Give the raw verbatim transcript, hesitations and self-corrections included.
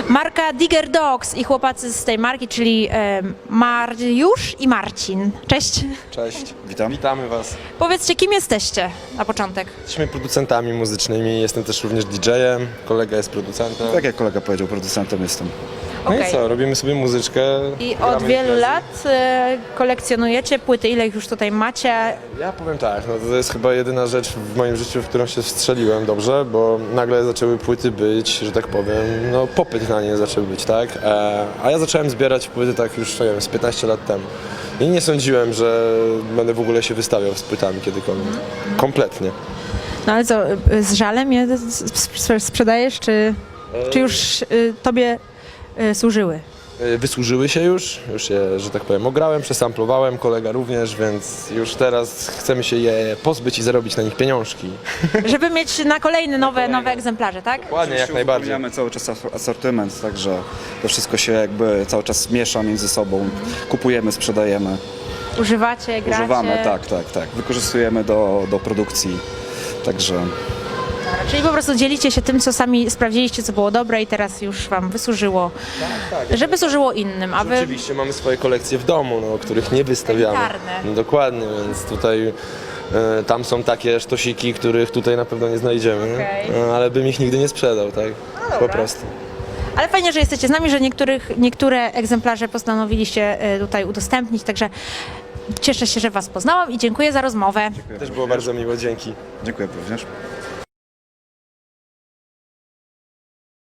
Marka Digger Dogs i chłopacy z tej marki, czyli e, Mariusz i Marcin. Cześć. Cześć, Witam. witamy Was. Powiedzcie, kim jesteście na początek? Jesteśmy producentami muzycznymi, jestem też również didżejem, kolega jest producentem. Tak jak kolega powiedział, producentem jestem. No Okej. i co, robimy sobie muzyczkę. I gramy od wielu imprezy. lat e, kolekcjonujecie płyty, ile ich już tutaj macie? Ja powiem tak, no to jest chyba jedyna rzecz w moim życiu, w którą się wstrzeliłem dobrze, bo nagle zaczęły płyty być, że tak powiem, no popyt na nie zaczął być, tak? E, a ja zacząłem zbierać płyty tak już, nie wiem, z piętnaście lat temu. I nie sądziłem, że będę w ogóle się wystawiał z płytami kiedykolwiek. Kompletnie. No ale co, e, z żalem je sp- sprzedajesz, czy, czy już e, tobie e, służyły? Y, Wysłużyły się już, już je, że tak powiem, ograłem, przesamplowałem, kolega również, więc już teraz chcemy się je pozbyć i zarobić na nich pieniążki. Żeby mieć na kolejne nowe, nowe egzemplarze, tak? Ładnie, jak najbardziej. Mamy cały czas as- asortyment, także to wszystko się jakby cały czas miesza między sobą. Kupujemy, sprzedajemy, Używacie, gracie? używamy, tak, tak, tak. Wykorzystujemy do, do produkcji, także Czyli po prostu dzielicie się tym, co sami sprawdziliście, co było dobre i teraz już wam wysłużyło, Tak, żeby służyło innym, a wy... Oczywiście mamy swoje kolekcje w domu, no, których nie wystawiamy. Elitarne. No, dokładnie, więc tutaj e, tam są takie sztosiki, których tutaj na pewno nie znajdziemy, Okej. no, ale bym ich nigdy nie sprzedał, tak? Po dobra. prostu. Ale fajnie, że jesteście z nami, że niektórych, niektóre egzemplarze postanowiliście e, tutaj udostępnić, także cieszę się, że was poznałam i dziękuję za rozmowę. Też było bardzo miło, dzięki. dziękuję również.